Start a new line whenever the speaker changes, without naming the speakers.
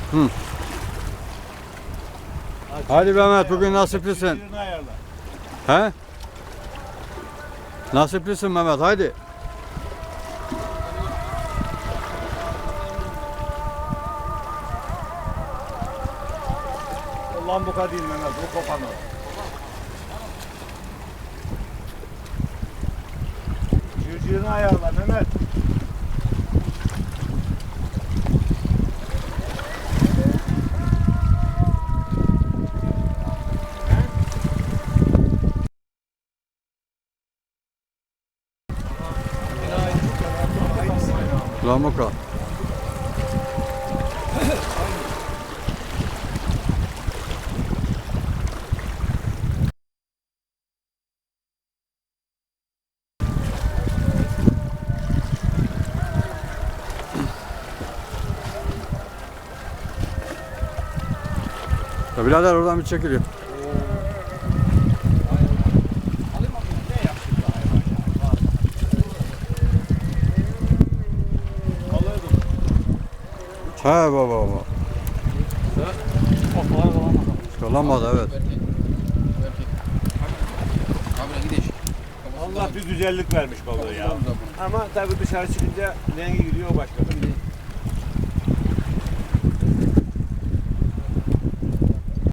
Hı. Hadi Mehmet, bugün nasiplisin. He? Nasiplisin Mehmet, haydi.
Lambuka değil Mehmet, bu kopanı. Cırcırını ayarla Mehmet.
Lamuka. Ya birader, oradan bir çekiliyor. He baba. Kalamadı evet.
Allah bir güzellik vermiş balığı ya. Ama tabii dışarı çıkınca rengi gidiyor başka.